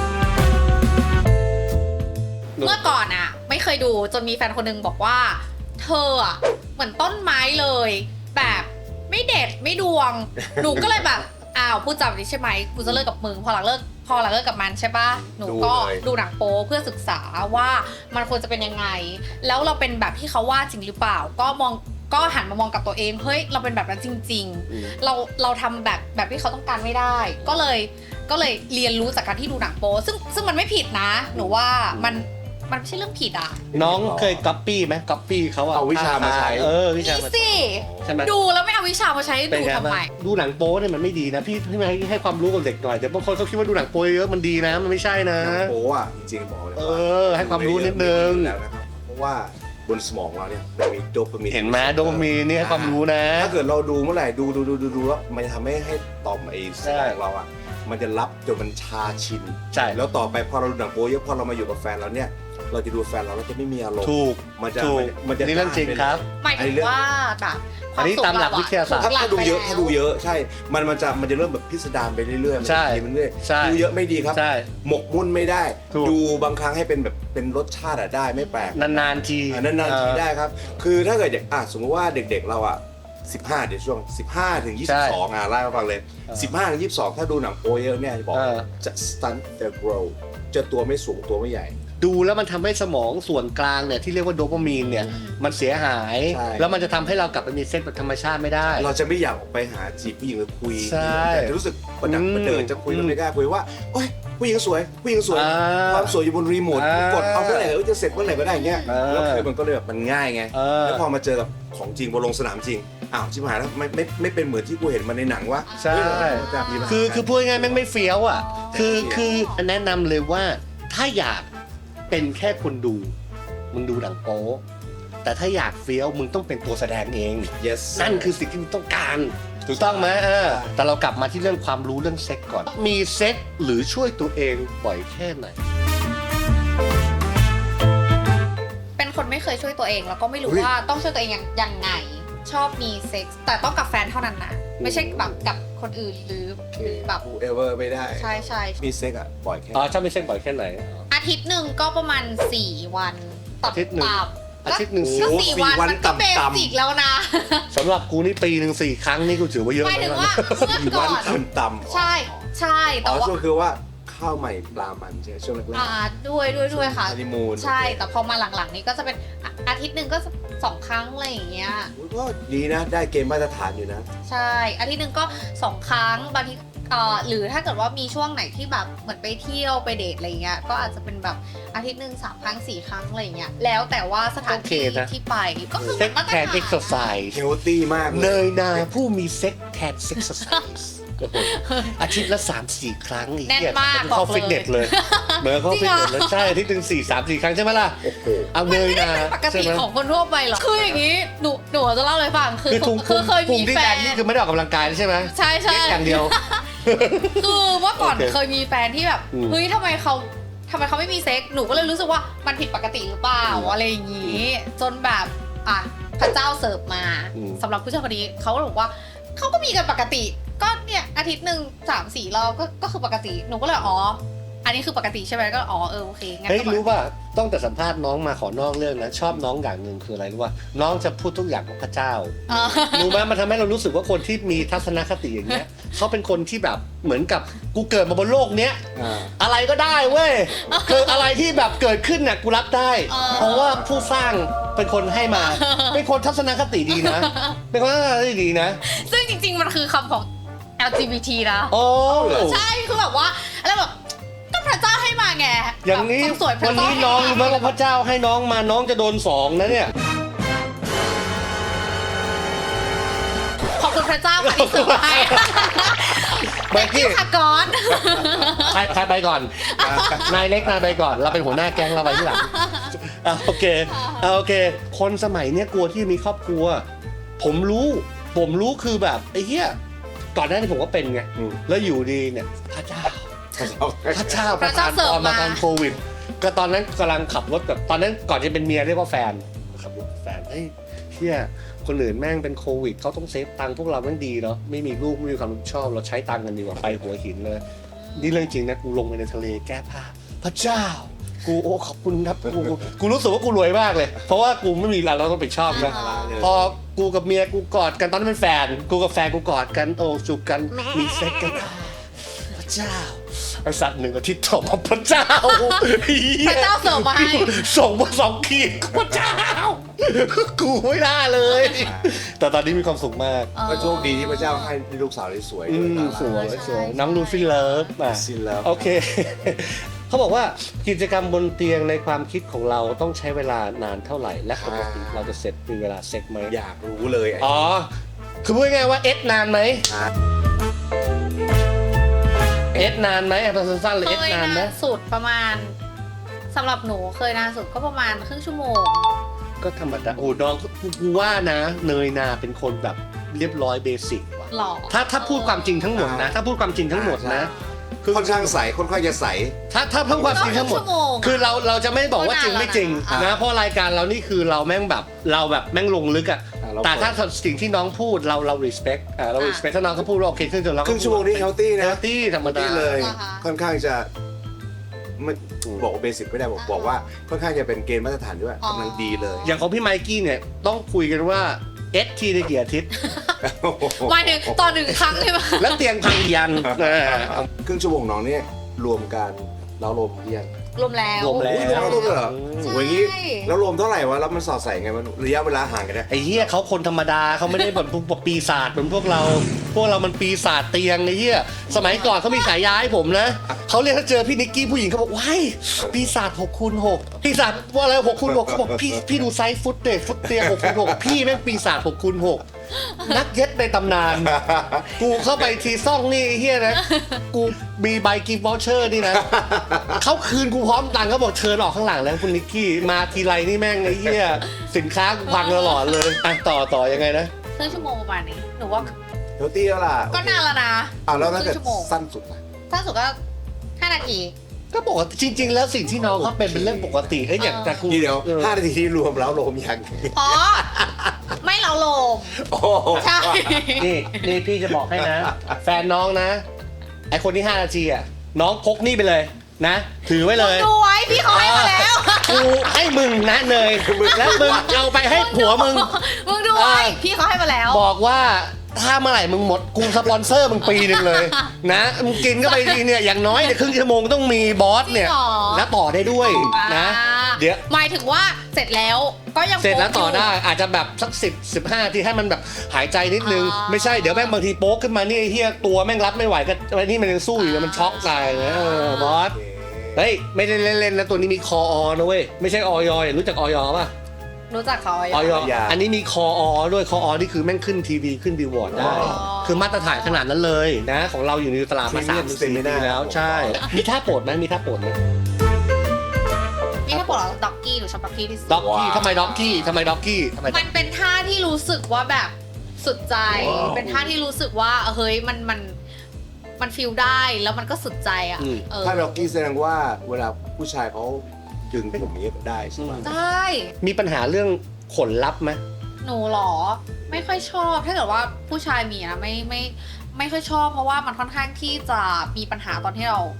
[SPEAKER 2] เมื่อก่อนอะไม่เคยดูจนมีแฟนคนหนึงบอกว่า เธออะเหมือนต้นไม้เลย แบบไม่เด็ดไม่ดวง หนูก็เลยแบบอ้าวพูดจำนี้ใช่ไหมกูจะเลิกกับมึงพอหลังเลิกพอหลังเลิกกับมันใช่ปะหนูก็ดูหนังโป๊เพื่อศึกษาว่ามันควรจะเป็นยังไง แล้วเราเป็นแบบที่เขาว่าจริงหรือเปล่า ก็มองก็หันมามองกับตัวเองเฮ้ยเราเป็นแบบนั้นจริง
[SPEAKER 1] อืม
[SPEAKER 2] ๆ เราเราทำแบบแบบที่เขาต้องการไม่ได้ ก็เลยก็เลยเรียนรู้จากการที่ดูหนังโป๊ซึ่งซึ่งมันไม่ผิดนะ หนูว่ามันมันไม่ใช่เรื่องผิดอ่ะ
[SPEAKER 1] น้องเคยก๊อปปี้ไหมก๊อปปี้เขาอะ
[SPEAKER 3] เอาวิชามาใช้
[SPEAKER 1] เออวิชา
[SPEAKER 2] นี่
[SPEAKER 1] มา
[SPEAKER 2] สิ
[SPEAKER 1] ใช่ไหม
[SPEAKER 2] ดูแล้วไม่เอาวิชามาใช้
[SPEAKER 1] เป็น
[SPEAKER 2] ดู
[SPEAKER 1] ไง
[SPEAKER 2] ทำ
[SPEAKER 1] บ้าง
[SPEAKER 2] ไม
[SPEAKER 1] ดูหนังโป๊เนี่ยมันไม่ดีนะพี่พี่ให้ให้ความรู้กับเด็กหน่อยแต่บางคนเขาคิดว่าดูหนังโป๊เยอะมันดีนะมันไม่ใช่นะ
[SPEAKER 3] หนังโป๊อ่ะจริงๆบอกเลย
[SPEAKER 1] เอ
[SPEAKER 3] ว่า
[SPEAKER 1] อให้ความรู้นิดนึง
[SPEAKER 3] แล้วนะครับเพราะว่าบนสมองเราเนี่ยมันมีโดปามีน
[SPEAKER 1] เห็นไหมโดปามีนนี่ให้ความรู้นะ
[SPEAKER 3] ถ้าเกิดเราดูเมื่อไหร่ดูดูดูดูดูแล้วมันจะทำให้ให้ต่อมไอ้สมองเราอ่ะมันจะรับจนมันชาชิน
[SPEAKER 1] ใช่
[SPEAKER 3] แล้วต่อไปพอเราดูหนังโป๊เยอะพอเรามาอยู่กับแฟนเราเนี่ยเราจะดูแฟนเราเราจะไม่มีอารมณ์
[SPEAKER 1] ถูก
[SPEAKER 3] มันจะ
[SPEAKER 1] ถูก
[SPEAKER 3] มันจะ
[SPEAKER 1] นี่เรื่องจริงครับ
[SPEAKER 2] หมายถึงว่าแบบค
[SPEAKER 1] อั
[SPEAKER 2] วาน ม
[SPEAKER 1] นี้
[SPEAKER 2] สุข
[SPEAKER 1] ตามหลัก
[SPEAKER 2] เรอะ
[SPEAKER 1] วิทยาศาสตร์
[SPEAKER 2] ถูกหลั
[SPEAKER 3] ถ้าก ดู
[SPEAKER 2] ไป
[SPEAKER 3] เยอะ
[SPEAKER 2] แล้ว
[SPEAKER 3] ถ้าดูเยอะใช่ มันมันจะมันจะเริ่มแบบพิสดารไปเรื่อยๆมัน
[SPEAKER 1] ใช่
[SPEAKER 3] จะกินไปเรื่อย
[SPEAKER 1] ใช่
[SPEAKER 3] ดูเยอะไม่ดีครับ
[SPEAKER 1] ใช่
[SPEAKER 3] หมกมุ่นไม่ได้
[SPEAKER 1] ถูก
[SPEAKER 3] ดูบางครั้งให้เป็นแบบเป็นรสชาติอะได้ไม่แปลก
[SPEAKER 1] นานๆที
[SPEAKER 3] อ่ะนานๆทีได้ครับ คือถ้าเกิดอย่างอ่ะสมมติว่าเด็กๆเราอ่ะสิบห้าเดี๋ยวช่วงสิบห้าถึงยี่สิบสองอ่ะไล่มาฟังเลย
[SPEAKER 1] ออ
[SPEAKER 3] สิบห้าถึงยี่สิบสองถ้าดูหนังโป๊เยอะเนี่ยจะบอก
[SPEAKER 1] เออ
[SPEAKER 3] จะ stunt the grow จะตัวไม่สูงตัวไม่ใหญ่
[SPEAKER 1] ดูแล้วมันทำให้สมองส่วนกลางเนี่ยที่เรียกว่าโดปามีนเนี่ยมันเสียหาย
[SPEAKER 3] ใช่
[SPEAKER 1] แล้วมันจะทำให้เรากลับไปมีเซ็กแบบธรรมชาติไม่ได้
[SPEAKER 3] เราจะไม่อยากออกไปหาจีบผู้หญิงหรือคุย
[SPEAKER 1] ใช่
[SPEAKER 3] จะรู้สึกประดัก
[SPEAKER 1] อืม
[SPEAKER 3] ประเดินจะคุย
[SPEAKER 1] อืม
[SPEAKER 3] แล้วไม่กล้าคุยว่าโอ๊ยผู้หญิงสวยผู้หญิงสวย
[SPEAKER 1] อ่า
[SPEAKER 3] ความสวยอยู่บนรีโมท
[SPEAKER 1] อ่าก
[SPEAKER 3] ดเอาเมื่อไหร่เออจะเสร็จเมื่อไหร่ก็ได้อย่างเงี้ย
[SPEAKER 1] อ่า
[SPEAKER 3] แล้วคือมันก็เลยแบบมันง่ายไง
[SPEAKER 1] เออ
[SPEAKER 3] แล้วพอมาเจอกับของจริงบนลงสนามจริงอ้าวชิบหายแล้วไม่ไม่ไม่เป็นเหมือนที่กูเห็นมาในหนังวะ
[SPEAKER 1] ใช่
[SPEAKER 3] เฮ้ยมันจะมีปัญหา
[SPEAKER 1] คือคือพูดง่ายๆแม่งไม่เฟี้ยวอ่ะ คือ
[SPEAKER 3] ไม่เฟี้ยว
[SPEAKER 1] คือแนะนำเลยว่าถ้าอยากเป็นแค่คนดู มึงดูหนังโป๊แต่ถ้าอยากเฟี้ยวมึงต้องเป็นตัวแสดงเอง
[SPEAKER 3] yes
[SPEAKER 1] นั่นคือสิ่งที่มึงต้องการถูกต้องไหมเออแต่เรากลับมาที่เรื่องความรู้เรื่องเซ็กก่อน มีเซ็กหรือช่วยตัวเองบ่อยแค่ไหน
[SPEAKER 2] เป็นคนไม่เคยช่วยตัวเองแล้วก็ไม่รู้
[SPEAKER 3] เฮ้ย
[SPEAKER 2] ว่าต้องช่วยตัวเองยังยังไง ชอบมีเซ็กส์แต่ต้องกับแฟนเท่านั้นนะไม่ใช่แบบกับคนอื่นหรือหรือแบบ
[SPEAKER 3] กูเอเวอร์ไม่ได้
[SPEAKER 2] ใช่ใช่
[SPEAKER 3] มีเซ็กอะบ่อยแค่
[SPEAKER 1] อ๋อชอบมีเซ็กบ่อยแค่ไหน
[SPEAKER 2] อาทิตย์หนึ่งก็ประมาณสี่วันตับ
[SPEAKER 1] อาทิตย์หนึ่ง
[SPEAKER 2] ตับ
[SPEAKER 1] อาทิตย์หนึ่ง
[SPEAKER 2] ก็
[SPEAKER 3] โอ้
[SPEAKER 2] สี่
[SPEAKER 3] สี่
[SPEAKER 2] วัน
[SPEAKER 3] วัน
[SPEAKER 2] มันก็เบ
[SPEAKER 3] ต่ำๆ
[SPEAKER 2] สิกแล้วนะ
[SPEAKER 1] สำหรับกูนี่ปีหนึ่งสี่ครั้งนี่กูถือว่าเยอะ
[SPEAKER 2] หมายถึง
[SPEAKER 1] แล้ว
[SPEAKER 2] ว่า
[SPEAKER 1] นะ
[SPEAKER 2] เมื่อ
[SPEAKER 3] สี่
[SPEAKER 2] ก่
[SPEAKER 3] วั
[SPEAKER 2] อน น
[SPEAKER 3] ต่ำๆ
[SPEAKER 2] ใช่ใช่
[SPEAKER 3] อ๋
[SPEAKER 2] แต่
[SPEAKER 3] อ
[SPEAKER 2] ว่า
[SPEAKER 3] ช่วงคือว่าข้าวใหม่ปลามันใช่ไหมช่วงแรก
[SPEAKER 2] อ่าด้วยด้วยด้วยค่ะ
[SPEAKER 3] ฮันนีมูน
[SPEAKER 2] ใช่แต่พอมาหลังๆนี้ก็จะเป็นอ่ะอาทิตย์หนึ่งก็สองครั้งอะไรอย่างเงี้ย
[SPEAKER 3] ก็ดีนะได้เกณฑ์มาตรฐานอยู่นะ
[SPEAKER 2] ใช่อาทิตย์หนึ่งก็สองครั้งบางทีเอ่อหรือถ้าเกิดว่ามีช่วงไหนที่แบบเหมือนไปเที่ยวไปเดทอะไรเงี้ยก็อาจจะเป็นแบบอาทิตย์หนึ่งสามครั้งสี่ครั้งอะไรเงี้ยแล้วแต่ว่าสถานที่ที่ไปก็คือ
[SPEAKER 1] เซ็ก
[SPEAKER 2] มาตร
[SPEAKER 1] แทน
[SPEAKER 2] ฐาน
[SPEAKER 1] เอ็กซ์ไซส์
[SPEAKER 3] เฮลตี้มากเล
[SPEAKER 1] เน
[SPEAKER 3] ย
[SPEAKER 1] ยนาผู้มีเซ็กแทนเซ็กซ์ไซส์อาทิตย์ละสามสี่ครั้งไอ้
[SPEAKER 2] แน่น
[SPEAKER 1] เหี้ย
[SPEAKER 2] มาก
[SPEAKER 1] เหมือนเข้า
[SPEAKER 2] บอกเลย
[SPEAKER 1] ฟิตเนสเลยเหมือนเข้า
[SPEAKER 2] จริ
[SPEAKER 1] ฟิ
[SPEAKER 2] ง
[SPEAKER 1] ต
[SPEAKER 2] เหรอ
[SPEAKER 1] เนสเลยใช่อาทิตย์หนึ่งสี่สามสี่ครั้งใช่ไหมล่ะ
[SPEAKER 3] โอ้โห
[SPEAKER 1] เอา
[SPEAKER 2] มั
[SPEAKER 1] เน
[SPEAKER 2] น
[SPEAKER 1] ย
[SPEAKER 2] ไม่ได้
[SPEAKER 1] นา
[SPEAKER 2] เป็นปก
[SPEAKER 1] ใช่
[SPEAKER 2] ติ
[SPEAKER 1] ไหม
[SPEAKER 2] ของคนทั่วไปหรอกคืออย่างนี้หนูหนูจะเล่าเลยฟังคือ
[SPEAKER 1] คือทุง
[SPEAKER 2] คือเคย
[SPEAKER 1] พุ
[SPEAKER 2] มี
[SPEAKER 1] งที่
[SPEAKER 2] แฟ
[SPEAKER 1] แด
[SPEAKER 2] น
[SPEAKER 1] นนี่คือไม่ได้ออกกำลังกายใช่ไหม
[SPEAKER 2] ใช่ใช่
[SPEAKER 1] เล่นอย่างเดียว
[SPEAKER 2] คือเมื่อก่อน
[SPEAKER 1] โอเค
[SPEAKER 2] เคยมีแฟนที่แบบ
[SPEAKER 1] อืม
[SPEAKER 2] เฮ้ยทำไมเขาทำไมเขาไม่มีเซ็กหนูก็เลยรู้สึกว่ามันผิดปกติหรือเปล่า
[SPEAKER 1] อืม
[SPEAKER 2] อะไรอย่างนี้ จนแบบอ่ะพระเจ้าเสิร์ฟมา
[SPEAKER 1] อืม
[SPEAKER 2] สำหรับผู้ชายคนนี้เขาก็บอกว่าเขาก็มีกันปกติ ก็เนี่ยอาทิตย์หนึ่งสามสี่รอบก็ก็คือปกติหนูก็เลยอ๋ออันนี้คือปกติใช่ไหมก็อ๋อเออโอเคงั้น
[SPEAKER 1] เฮ้ย
[SPEAKER 2] ก็แบบ
[SPEAKER 1] รู้ป่ะต้องแต่สัมภาษณ์น้องมาขอนอกเรื่องนะชอบน้องอย่างหนึ่งคืออะไรรู้ป่ะน้องจะพูดทุกอย่างของพระเจ้า
[SPEAKER 2] เออ
[SPEAKER 1] รู้ไหมมันทำให้เรารู้สึกว่าคนที่มีทัศนคติอย่างเงี้ยเขาเป็นคนที่แบบเหมือนกับกูเกิดมาบนโลกเนี้ย
[SPEAKER 3] อ่า
[SPEAKER 1] อะไรก็ได้เว้ยคืออะไรที่แบบเกิดขึ้นเนี่ยกูรับได้
[SPEAKER 2] เออ
[SPEAKER 1] เพราะว่าผู้สร้างเป็นคนให้มา เป็นคนทัศนคติดีนะ เป็นคนทัศนคติดีนะ
[SPEAKER 2] ซึ่งจริง ๆ มันคือคำของ แอล จี บี ที นะ
[SPEAKER 1] โอ้
[SPEAKER 2] ใช่คือแบบว่าอะไรแบบก็พระเจ้าให้มาไง
[SPEAKER 1] อย่างนี้
[SPEAKER 2] แบบควมสวยพระ
[SPEAKER 1] วัน
[SPEAKER 2] เจ้า
[SPEAKER 1] นี้
[SPEAKER 2] ให้
[SPEAKER 1] น้องรู้ไหม
[SPEAKER 2] มา
[SPEAKER 1] ว่าพระเจ้าให้น้องมาน้องจะโดนสองนะเนี่ย
[SPEAKER 2] ขอบคุณพระเจ้าค่ะที่เสิร์ฟให้
[SPEAKER 1] ไมกี้
[SPEAKER 2] ค่ะก่อน
[SPEAKER 1] ใครใครไปก่อน นายเล็กนายไปก่อน เราเป็นหัวหน้าแก๊งเราไปที่หลังอ่ะโอเคอ่ะโอเค คนสมัยเนี้ยกลัวที่มีครอบครัว ผมรู้ ผมรู้คือแบบไอ้เหี้ยก่อนหน้านี้ผมก็เป็นไง
[SPEAKER 3] อืม
[SPEAKER 1] แล้วอยู่ดีเนี่ยพระเจ้า พระเจ้า
[SPEAKER 2] พระเจ้า
[SPEAKER 1] ประทน
[SPEAKER 2] เสิร์ฟ
[SPEAKER 1] พมา
[SPEAKER 2] มา
[SPEAKER 1] ตอนโควิด ก็ตอนนั้นกำลังขับรถแบบตอนนั้นก่อนจะเป็นเมียเรียกว่าแฟนขับรถแฟนเฮ้ยเฮียคนอื่นแม่งเป็นโควิดเขาต้องเซฟตังค์พวกเราแม่งดีเนาะไม่มีลูกไม่มีความรับผิดชอบเราใช้ตังค์กันดีกว่าไปหัวหินเลยนี่เรื่องจริงนะกูลงไปในทะเลแก้ผ้าพระเจ้า กูโอ้ขอบคุณครับกูกูรู้สึกว่ากูรวยมากเลย เพราะว่ากูไม่มีอะไรเราต้องไปชอบนะ พอกูกับเมียกูกอดกันตอนนั้นเป็นแฟน กูกับแฟนกูกอดกันโอ้จูบกันมีเซ็กกันพระเจ้าไอสัตว์หนึ่งอาทิตย์ต่อมาพระเจ้า
[SPEAKER 2] พระเจ้าเสิร์ฟมาให้
[SPEAKER 1] ส่งมาสองขีดพระเจ้า กูไม่น่าเลย แต่ตอนนี้มีความสุขมาก
[SPEAKER 3] ก็โชคดีที่พระเจ้าให้ลูกสาวได้สวย
[SPEAKER 1] อื
[SPEAKER 3] ด้วย
[SPEAKER 1] ม
[SPEAKER 3] นะ
[SPEAKER 1] สวย
[SPEAKER 2] ใช่
[SPEAKER 1] สวย
[SPEAKER 2] ใช่
[SPEAKER 1] น้องลูฟี่เลิฟอ่ะ
[SPEAKER 3] ซินแล้ว
[SPEAKER 1] โอเค เขาบอกว่ากิจกรรมบนเตียงในความคิดของเราต้องใช้เวลานานเท่าไหร่ และปกติเราจะเสร็จมีเวลาเซ็กไหม
[SPEAKER 3] อยากรู้เลย
[SPEAKER 1] อ๋อ คือพูดง่ายๆว่าเอสนานไหม
[SPEAKER 3] อ่ะ
[SPEAKER 1] เอสนานไหมเอาสั้นๆเลย
[SPEAKER 2] เค
[SPEAKER 1] เอส
[SPEAKER 2] ย
[SPEAKER 1] นานไหม
[SPEAKER 2] นานสุดประมาณสำหรับหนูเคยนานสุดก็ประมาณครึ่งชั่วโมง
[SPEAKER 1] ก็ธรรมดาโอ้น้องกูกูว่านะ เนยนาเป็นคนแบบเรียบร้อยเบสิกว่ะ
[SPEAKER 2] หล่อ
[SPEAKER 1] ถ้าถ้าพูดความจริงทั้งหมดนะ ถ้าพูดความจริงทั้งหมดนะ คือ
[SPEAKER 3] ค่อนข้างใสค่อนข้างจะใส
[SPEAKER 1] ถ้าถ้าพูดความจริงทั้งหมด
[SPEAKER 2] ชั่วโมง
[SPEAKER 1] คือเราเราจะไม่บอกว่าจริงไม่จริง
[SPEAKER 2] อ่ะ
[SPEAKER 1] นะเพราะรายการเรานี่คือเราแม่งแบบเราแบบแม่งลงลึกอะ
[SPEAKER 3] อ่ะเรา
[SPEAKER 1] แต่ถ้าสิ่งที่น้องพูดเราเรา respect อ่าเรา respect ถ้าน้องเขาพูดว่าโอเคขึ้นจนเราก็
[SPEAKER 3] ครึ่งชั่วโมงนี้เฮลตี้นะ
[SPEAKER 1] เฮลตี้ธรรมดา
[SPEAKER 3] ที่เลย
[SPEAKER 2] เหรอคะ
[SPEAKER 3] ค่อนข้างจะไม่บอกว่าเบสิกไม่ได้บอกบอกว่าค่อนข้างจะเป็นเกณฑ์มาตรฐานด้วย
[SPEAKER 2] อ๋อ
[SPEAKER 3] กำลังดีเลย
[SPEAKER 1] อย่างของพี่ไมกี้เนี่ยต้องคุยกันว่าเอสทีในกี่อาทิตย์
[SPEAKER 2] หมายถึงต่อหนึ่งครั้งใช่ไหม
[SPEAKER 1] แล้วเตียงพังยันเออ
[SPEAKER 3] ครึ่งชั่วโมงน้องเนี่ยรวมกันแล้วรวมเรียง
[SPEAKER 2] รวมแล้ว
[SPEAKER 1] รวมแล้ว
[SPEAKER 3] อุ๊ยรวมแล้วด้วยเหรอ
[SPEAKER 2] ใช่
[SPEAKER 3] โอ้ยอย่างงี้แล้วรวมเท่าไหร่วะแล้วมันสอดใส่ไงมันระยะเวลาห่างกันเนี่ย
[SPEAKER 1] ไอ้เหี้ยเขาคนธรรมดาเขาไม่ได้แบบพวกปีศาจเหมือนพวกเรา พวกเรามันปีศาจเตียงไอ้เหี้ยสมัยก่อนเขามีฉายาให้ผมนะเขาเรียกถ้าเจอพี่นิกกี้ผู้หญิงเขาบอกว้ายปีศาจหกคูณหกปีศาจว่าอะไรหกคูณหกเขาบอกพี่พี่ดูไซส์ฟุตเดทฟุตเตียงหกคูณหกพี่แม่งปีศาจหกคูณหกนักเย็ดในตำนาน กูเข้าไปทีซ่องนี่ไอ้เฮียนะ กูมีใบกิฟต์วอเชอร์นี่นะ เขาคืนกูพร้อมตังค์เขาบอกเชิญออกข้างหลังแล้วคุณนิกกี้มาทีไรนี่แม่งไอ้เฮียสินค้ากูพังตลอดเลยอ่ะต่อต่อยังไงนะ
[SPEAKER 2] ครึ่งชั่วโมงประมาณนี้หนูว่า
[SPEAKER 3] เฮลตี้แล้วล่ะ
[SPEAKER 2] ก็นานแล้วนะ
[SPEAKER 3] อ่าแล้วถ้าเกิด
[SPEAKER 2] ครึ่งชั่วโมง
[SPEAKER 3] สั้นสุดล่ะ
[SPEAKER 2] ถ้าสุดก็ห้านาที
[SPEAKER 1] ก็บอกว่าจริง ๆ แล้วสิ่งที่น้องเขาเป็นเป็นเรื่องปกติเอ้ยอย่าง
[SPEAKER 2] เออ
[SPEAKER 1] แต่กู
[SPEAKER 3] ทีเดียว
[SPEAKER 1] ออ
[SPEAKER 3] ห้านาทีที่รวมแล้วรวมยัง
[SPEAKER 2] อ๋อ ไม่เราโลม
[SPEAKER 3] โอ้โห
[SPEAKER 2] ใช่
[SPEAKER 1] นี่นี่พี่จะบอกให้นะ แฟนน้องนะ ไอคนที่ห้านาทีอ่ะน้องพกนี่ไปเลยนะ ถือไว้เลย
[SPEAKER 2] ดูไว้พี่เขาให้มาแล้ว
[SPEAKER 1] กูให้มึงนะเนยแล้วมึงเอาไปให้ผัวมึง
[SPEAKER 2] มึงดูไว้
[SPEAKER 1] เออ
[SPEAKER 2] พี่เขาให้มาแล้ว
[SPEAKER 1] บอกว่าถ้าเมื่อไหร่มึงหมดกูสปอนเซอร์มึงปีหนึ่งเลย นะมึงกินก็ไปทีเนี่ยอย่างน้อยเนี่ยครึ่งชั่วโมงต้องมีบอสเนี่ย
[SPEAKER 2] จริงเหรอ
[SPEAKER 1] แล้วต่อได้ด้วยนะ
[SPEAKER 2] อ่า
[SPEAKER 1] เดี๋ยว
[SPEAKER 2] หมายถึงว่าเสร็จแล้วก็ยัง
[SPEAKER 1] เสร็จแล้วต่อ
[SPEAKER 2] โป๊ะยู่
[SPEAKER 1] ได้อาจจะแบบสักสิบสิบห้าทีให้มันแบบหายใจนิดนึง
[SPEAKER 2] อ่า
[SPEAKER 1] ไม่ใช่เดี๋ยวแม่งบางทีโป๊กขึ้นมานี่ไอ้เฮียตัวแม่งรับไม่ไหวก็ไอ้นี่มันยังสู้อยู่
[SPEAKER 2] อ่า
[SPEAKER 1] มันช็อกตายนะเออบอส
[SPEAKER 3] โอเค
[SPEAKER 1] เฮ้ยไม่ได้เล่นๆนะตัวนี้มีคออนะเว้ยไม่ใช่ออยรู้จักออยป่ะ
[SPEAKER 2] รู้จักเขา
[SPEAKER 1] ออย
[SPEAKER 3] อย่า
[SPEAKER 1] อันนี้มีคออด้วยคออนี่คือแม่งขึ้นทีวีขึ้นบิลบอร์ดได้
[SPEAKER 2] อ๋อ
[SPEAKER 1] คือมาตรฐานขนาดนั้นเลยนะ ของเราอยู่ในตลาดมาสามสี่ปีแล้วใช่ มีท่าโปรดไหมมีท่าโปรดไหม
[SPEAKER 2] นี่ถ้าบอกเราด็อกกี้หนูชอบด็อกกี้ที่สุด
[SPEAKER 1] ด็อกกี้ทำไมด็อกกี้ทำไมด็อกกี้ทำไม
[SPEAKER 2] มันเป็นท่าที่รู้สึกว่าแบบสุดใจ เป็นท่าที่รู้สึกว่าเฮ้ยมันมันมันฟีลได้แล้วมันก็สุดใจอ่ะเออ
[SPEAKER 3] ถ้าด็อกกี้แสดงว่าเวลาผู้ชายเขาดึงผมอย่างนี้ก็ได้ใช่ไหม
[SPEAKER 2] ได้
[SPEAKER 1] มีปัญหาเรื่องขนลับไหม
[SPEAKER 2] หนูเหรอไม่ค่อยชอบถ้าเกิดว่าผู้ชายมีนะไม่ไม่ไม่ค่อยชอบ เพราะว่ามันค่อนข้างที่จะมีปัญหาตอนที่เรา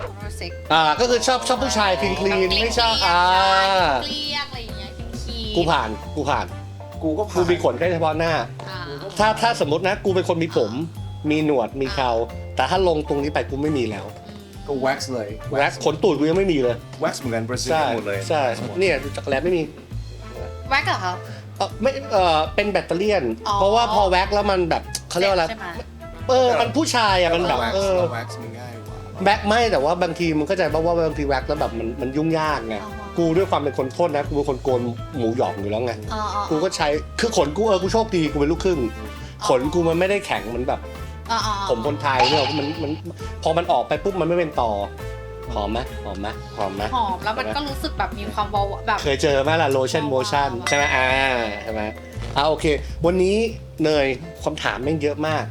[SPEAKER 2] เซ็ก
[SPEAKER 1] อ่าก็คือชอบชอบผู้ชายคลีนคลีนไม่ชอบอ่า
[SPEAKER 2] เกลี้ยงอะไรอย่างเงี้ยคีน
[SPEAKER 1] กูผ่านกูผ่าน
[SPEAKER 3] กูก็
[SPEAKER 1] กู
[SPEAKER 3] ผ่าน
[SPEAKER 1] มีขนแค่เฉพาะหน้า
[SPEAKER 2] อ่า
[SPEAKER 1] ถ้าถ้าสมมตินะกูเป็นคนมีผม มีหนวดมีเคราแต่ถ้าลงตรงนี้ไปกูไม่มีแล้ว
[SPEAKER 3] ก็ wax เลย
[SPEAKER 1] แว็กขนตูดกูยังไม่มีเลย
[SPEAKER 3] wax เหมือนกันบราซิล
[SPEAKER 1] ใช่
[SPEAKER 3] หมดเลย
[SPEAKER 1] ใช่เนี่ยจักรแลไม่มี
[SPEAKER 2] แว็กเหรอคะ
[SPEAKER 1] เออไม่เออเป็นแบตเตอรี่ยน
[SPEAKER 2] อ๋อ
[SPEAKER 1] เพราะว่าพอแว็กแล้วมันแบบเขาเรียกว่าอะไร
[SPEAKER 2] ใช่ไหม
[SPEAKER 1] เออมันผู้ชายอ่ะมันแบบ
[SPEAKER 3] wax
[SPEAKER 1] เออ
[SPEAKER 3] wax มันง่ายกว่า
[SPEAKER 1] แว็กไม่แต่ว่าบางทีมันก็จะบอกว่าบางทีแว็กแล้วแบบมันมันยุ่งยากไง
[SPEAKER 2] อ๋อ
[SPEAKER 1] กูด้วยความเป็นคนโทษนะกูเป็นคนโกนหมูหยองอยู่แล้วไง
[SPEAKER 2] อ๋ออ๋อ
[SPEAKER 1] กูก็ใช้คือขนกูเออกูโชคดีกูเป็นลูกครึ่งขนกูมันไม่ได้แข็งเหมือนแบบ
[SPEAKER 2] อ๋ออ๋อ
[SPEAKER 1] ผมคนไทยเนี่ยมันมันพอมันออกไปปุ๊บมันไม่เป็นต่อหอมไหมหอมไหมหอมไหม
[SPEAKER 2] หอมแล้วมันก็รู้สึกแบบมีความวาวแบบ
[SPEAKER 1] เคยเจอไหมล่ะโลชั่นโมชั่นใช่ไหมอ่าใช่ไหมอ่าโอเค วันนี้เนยคำถามแม่งเยอะมาก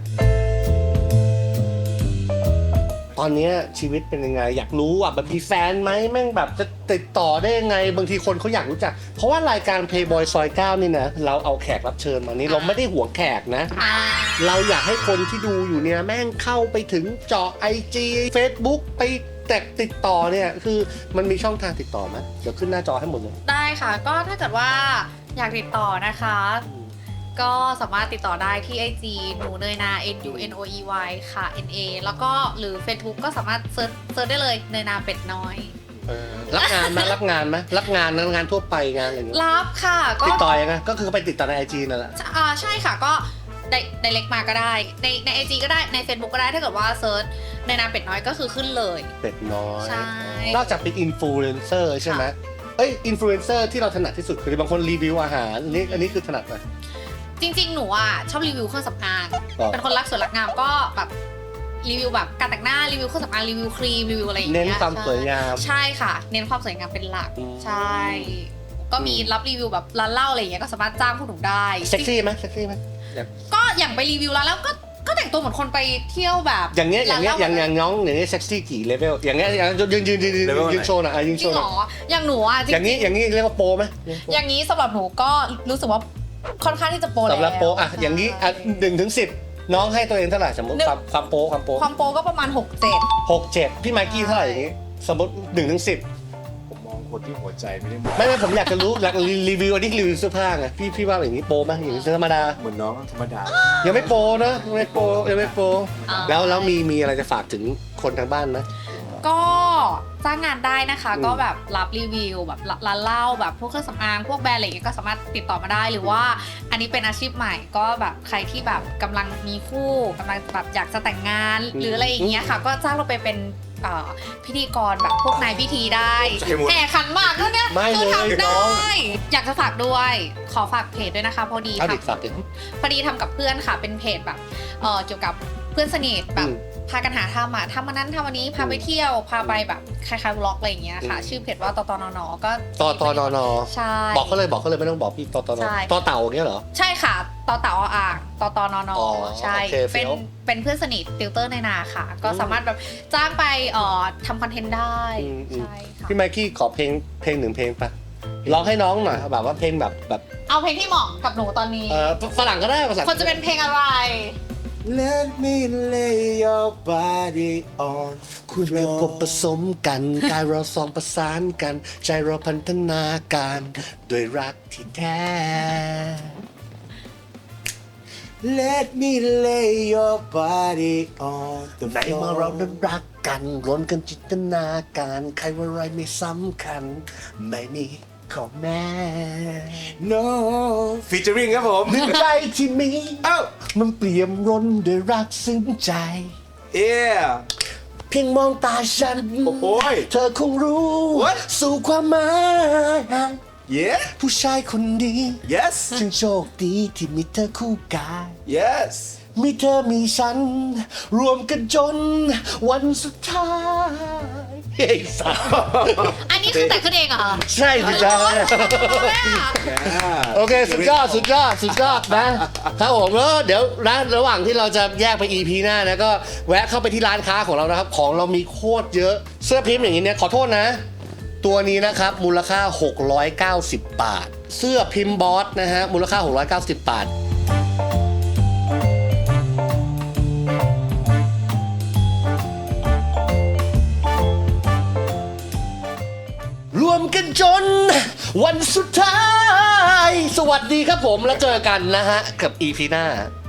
[SPEAKER 1] ตอนเนี้ยชีวิตเป็นยังไง อยากรู้อ่ะแบบมีแฟนไหมแม่งแบบจะติดต่อได้ยังไง บางทีคนเขาอยากรู้จัก เพราะว่ารายการ Playboy ซอยเก้านี่นะเราเอาแขกรับเชิญมานี่เราไม่ได้หวงแขกนะ
[SPEAKER 2] อ่า
[SPEAKER 1] เราอยากให้คนที่ดูอยู่เนี่ยแม่งเข้าไปถึงเจาะ ไอ จี Facebook ไปแตกติดต่อเนี่ยคือมันมีช่องทางติดต่อไหมเดี๋ยวขึ้นหน้าจอให้หมดเลย
[SPEAKER 2] ได้ค่ะ ก็ถ้าเกิดว่าอยากติดต่อนะคะ ก็สามารถติดต่อได้ที่ ไอ จี หนูเนยนา N U N O E Y ค่ะ N A แล้วก็หรือ Facebook ก็สามารถเซิร์ชเซิร์ชได้เลยเนยนาเป็ดน้อย
[SPEAKER 1] เออรับงานไหมรับงานไหมรับงานนะงานทั่วไปงานอะไรอย่างเงี้ย
[SPEAKER 2] รับค่ะ ก็
[SPEAKER 1] ติดต่อยังไงก็คือไปติดต่อใน ไอ จี นั่นแหละ
[SPEAKER 2] อ่าใช่ค่ะก็ไดไดเรกมาก็ได้ ในใน ไอ จี ก็ได้ใน Facebook ก็ได้ถ้าเกิดว่าเซิร์ชเนยนาเป็ดน้อยก็คือขึ้นเลย
[SPEAKER 1] เป็ดน้อย
[SPEAKER 2] ใช่
[SPEAKER 1] นอกจากเป็นอินฟลูเอนเซอร์ใช่ไหมเอ้ยอินฟลูเอนเซอร์ที่เราถนัดที่สุดคือบางคนรีวิวอาหารอันนี้อันนี้คือถนัดไหม
[SPEAKER 2] จริงๆ หนูอ่ะชอบรีวิวเครื่องสำอาง
[SPEAKER 1] ครับ
[SPEAKER 2] เป็นคนรักสวยรักงามก็แบบรีวิวแบบการแต่งหน้ารีวิวเครื่องสำอางรีวิวครีมรีวิวอะไรอย่างเงี้ย
[SPEAKER 1] เน้นความสวยงาม
[SPEAKER 2] ใช่ค่ะ เน้นความสวยงามเป็นหลัก
[SPEAKER 1] อืม
[SPEAKER 2] ใช่ ก็มีรับรีวิวแบบร้านเหล้าอะไรอย่างเงี้ยก็สามารถจ้างพวกหนูได้
[SPEAKER 1] เซ็กซี่ไหมเซ็กซี่ไหม
[SPEAKER 2] ก็อย่างไปรีวิวร้านแล้วก็ก็แต่งตัวเหมือนคนไปเที่ยวแบบ
[SPEAKER 1] อย่างเงี้ยอย่างเงี้ย
[SPEAKER 2] ร้น
[SPEAKER 1] อ
[SPEAKER 2] ห
[SPEAKER 1] ย่างอย่างน้องอย่างเงี้ยเซ็กซี่กี่เลเวลอย่างเงี้ยอย่างยืนยืนยืนยืน
[SPEAKER 3] Level ไหน
[SPEAKER 1] ยืนโชว์หน่อยอ่ะยืน
[SPEAKER 2] จ
[SPEAKER 1] โช
[SPEAKER 2] ริง
[SPEAKER 1] ว์ห
[SPEAKER 2] เห
[SPEAKER 1] น่
[SPEAKER 2] ร
[SPEAKER 1] อย
[SPEAKER 2] ออย่างหนูอ่ะจริงๆ
[SPEAKER 1] อย่างนี้อย่างนี้เรียกว่าโปรไหม
[SPEAKER 2] อย่างนี้สำหรับหนูก็รู้สึกว่าค่อนข้างที่จะโปรแล้ว
[SPEAKER 1] สำหรับโปรอ่ะอย่างนี้อ่ะ
[SPEAKER 2] ใช่
[SPEAKER 1] หนึ่งถึงสิบน้องให้ตัวเองเท่าไหร่สมมติ
[SPEAKER 2] หนึ่ง
[SPEAKER 1] ความความโปรความโปร
[SPEAKER 2] ความโปรก็ประมาณหกเจ็ด
[SPEAKER 1] หกเจ็ดพี่ไมค์กี้เท่าไหร่อย่างงี้สมมติหนึ่งถึงสิบ
[SPEAKER 3] ผมมองคนที่หัวใจไม่ได้มอง
[SPEAKER 1] ไม่ไม่ผมอยากจะรู้อยากรีวิวอันนี้รีวิวเสื้อผ้าไงพี่พี่ว่าอย่างนี้โปรไหมอย่างนี้ธรรมดา
[SPEAKER 3] เหมือนน้องธรรมดา
[SPEAKER 1] ยังไม่โปรนะยังไม่โปรยังไม่โปร
[SPEAKER 2] อ่า
[SPEAKER 1] แล้วแล้วมีมีอะไรจะฝากถึงคนทางบ้านไหม
[SPEAKER 2] ก็จ้างงานได้นะคะ
[SPEAKER 1] อืม
[SPEAKER 2] ก็แบบรับรีวิวแบบร้านเหล้าแบบพวกเครื่องสำอางพวกแบรนด์อะไรอย่างเงี้ยก็สามารถติดต่อมาได้หรือว่าอันนี้เป็นอาชีพใหม่ก็แบบใครที่แบบกำลังมีคู่กำลังแบบอยากจะแต่งงาน หรืออะไรอย่างเงี้ยค่ะ ก็จ้างเราไปเป็นเอ่อพิธีกรแบบพวกนายพิธีได้
[SPEAKER 3] ใจหมด
[SPEAKER 2] แห่ขันหมากแล้วเนี่ย
[SPEAKER 1] ไม่
[SPEAKER 2] คือ
[SPEAKER 1] เลย
[SPEAKER 2] ทำ
[SPEAKER 1] น้
[SPEAKER 2] ได้
[SPEAKER 1] อง
[SPEAKER 2] อยากจะฝากด้วย ขอฝากเพจด้วยนะคะพอดี
[SPEAKER 1] เอา
[SPEAKER 2] ทำ
[SPEAKER 1] ดิฝากถึง
[SPEAKER 2] พอดีทำกับเพื่อนค่ะเป็นเพจแบบเอ่อเกี่ยวกับเพื่อนสนิทแบบ
[SPEAKER 1] อืม
[SPEAKER 2] พากันหาทำอ่ะทำวันนั้นทำวันนี้พาไปเที่ยวพาไปแบบคล้ายๆวล็อกอะไรอย่างเงี้ยค่ะ
[SPEAKER 1] อืม
[SPEAKER 2] ชื่อเพจว่าตตนนก็
[SPEAKER 1] ตอตอนอนอ
[SPEAKER 2] ใช่
[SPEAKER 1] บอกเขาเลยบอกเขาเลยไม่ต้องบอกพี่ตอตอนอ
[SPEAKER 2] ใช่
[SPEAKER 1] ตอเต่าอย่างเงี้ยเหรอ
[SPEAKER 2] ใช่ค่ะตอเต่าอ่างตตนน
[SPEAKER 1] อ๋อ
[SPEAKER 2] ใช่
[SPEAKER 1] โอเค
[SPEAKER 2] เป็น
[SPEAKER 1] เฟี้ยว
[SPEAKER 2] เป็นเพื่อนสนิทติวเตอร์ในนาค่ะ ก็
[SPEAKER 1] อืม
[SPEAKER 2] สามารถแบบจ้างไปเอ่อทำคอนเทนต์ได้
[SPEAKER 1] อืมอืม
[SPEAKER 2] ใช่ค่ะ
[SPEAKER 1] พี่ไมค์กี้ขอเพลงเพลงหนึ่งเพลงปะร้องให้น้องหน่อยแบบว่าเพลงแบบแบบ
[SPEAKER 2] เอาเพลงที่เหมาะกับหนูตอนนี้
[SPEAKER 1] เออฝรั่งก็ได้ภาษา
[SPEAKER 2] คนจะเป็นเพลงอะไร
[SPEAKER 3] Let me lay your body on
[SPEAKER 1] คุณเราพบผสมกันกายเราสองประสานกัน ใจเราพันธนาการด้วยรักที่แท้
[SPEAKER 3] Let me lay your body on the
[SPEAKER 1] ในเมื่อเรานั้น
[SPEAKER 3] floor
[SPEAKER 1] รักกันรวมกันจินตนาการใครว่าอะไรไม่สำคัญ ไม่มีข้อแม้
[SPEAKER 3] No featuring ครับผม
[SPEAKER 1] หนึ่งใจที่มี
[SPEAKER 3] เอ้า
[SPEAKER 1] มันเปี่ยมร้นด้วยรักซึ้งใจ
[SPEAKER 3] Yeah
[SPEAKER 1] เพียงมองตาฉัน
[SPEAKER 3] โอ้โหย
[SPEAKER 1] เธอคงรู้
[SPEAKER 3] What?
[SPEAKER 1] สู่ความหมาย
[SPEAKER 3] Yeah
[SPEAKER 1] ผู้ชายคนดี
[SPEAKER 3] Yes
[SPEAKER 1] จึงโชคดีที่มีเธอคู่กาย
[SPEAKER 3] Yes
[SPEAKER 1] มีเธอมีฉัน รวมกันจนวันสุดท้ายเฮ้ยสาว
[SPEAKER 2] อันนี้คือแต่งขึ้นเองเหรอคะ
[SPEAKER 1] ใช่สิจ้า
[SPEAKER 3] Yeah
[SPEAKER 1] โอเค สุดยอด สุดยอด สุดยอดนะครับผมแล้วเดี๋ยวนะระหว่างที่เราจะแยกไป อี พี หน้านะก็แวะเข้าไปที่ร้านค้าของเรานะครับ ของเรามีโคตรเยอะเสื้อพิมพ์อย่างนี้เนี่ยขอโทษนะ ตัวนี้นะครับมูลค่า หกร้อยเก้าสิบ บาท เสื้อพิมพ์บอสนะฮะมูลค่า หกร้อยเก้าสิบ บาทวันสุดท้าย สวัสดีครับผมแล้วเจอกันนะฮะกับ อี พี หน้า